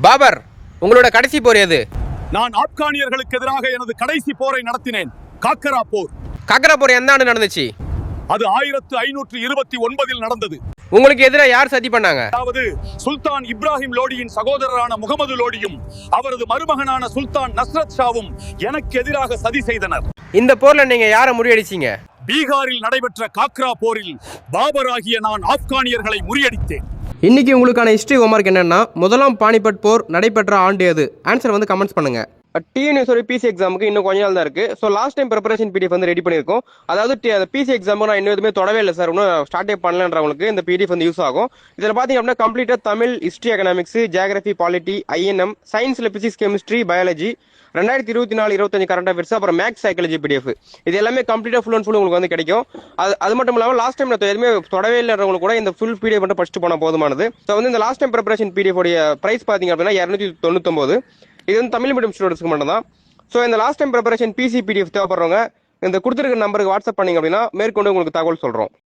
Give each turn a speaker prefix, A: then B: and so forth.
A: பாபர், உங்களோட கடைசி போர் எது?
B: நான் ஆப்கானியர்களுக்கு எதிராக எனது கடைசி போரை நடத்தினேன். காக்கரா போர்.
A: காக்கரா போர் எந்த ஆண்டு நடந்துச்சு?
B: அது 1529 நடந்தது.
A: உங்களுக்கு எதிராக யார் சதி பண்ணாங்க?
B: அதாவது சுல்தான் இப்ராஹிம் லோடியின் சகோதரரான முகமது லோடியும் அவரது மருமகனான சுல்தான் நஸ்ரத் ஷாவும் எனக்கு எதிராக சதி செய்தனர்.
A: இந்த போர்ல நீங்க யாரை முறியடிச்சீங்க?
B: பீகாரில் நடைபெற்ற காக்ரா போரில் பாபர் ஆகிய நான் ஆப்கானியர்களை முறியடித்தேன்.
A: இன்னைக்கு உங்களுக்கான ஹிஸ்டரி ஹோம்வொர்க் என்னன்னா, முதலாம் பானிபட் போர் நடைபெற்ற ஆண்டு எது? ஆன்சர் வந்து கமெண்ட்ஸ் பண்ணுங்க. டிஎன்யூஎஸ் பிசி எக்ஸாமுக்கு இன்னும் கொஞ்ச நாள் தான் இருக்கு. So last time preparation PDF வந்து ரெடி பண்ணியிருக்கோம். அதாவது பிசி எக்ஸாமுக்கு நான் இன்னும் எதுவுமே தொடவே இல்லை சார், இன்னும் ஸ்டார்டே பண்ணலன்றவங்களுக்கு இந்த பிடிஎஃப் வந்து யூஸ் ஆகும். இதில் பார்த்தீங்க அப்படின்னா கம்ப்ளீட்டாக Tamil, history, economics, geography, polity, INM, சயின்ஸில் physics, chemistry, biology, 2024-25 current affairs, அப்புறம் மேக்ஸ், சைக்காலஜி பிடிஎஃப், இது எல்லாமே கம்ப்ளீட்டாக ஃபுல் அண்ட் ஃபுல் உங்களுக்கு வந்து கிடைக்கும். அது மட்டும் இல்லாமல் லாஸ்ட் டைம் நான் எதுவுமே தொடவே இல்லைன்றவங்களுக்கு கூட இந்த ஃபுல் பிடிஎஃப் மட்டும் படிச்சுட்டு போனால் போதுமானது. ஸோ வந்து இந்த லாஸ்ட் டைம் ப்ரிப்பரேஷன் பிடிஎஃப் உடைய பிரைஸ் பார்த்தீங்க அப்படின்னா 299. இது வந்து தமிழ் மீடியம் ஸ்டூடெண்ட்ஸ்க்கு மட்டும் தான். ஸோ இந்த last time preparation PC PDF தேவைப்படுறவங்க இந்த கொடுத்துருக்க நம்பருக்கு வாட்ஸ்அப் பண்ணிங்க அப்படின்னா மேற்கொண்டு உங்களுக்கு தகவல் சொல்கிறோம்.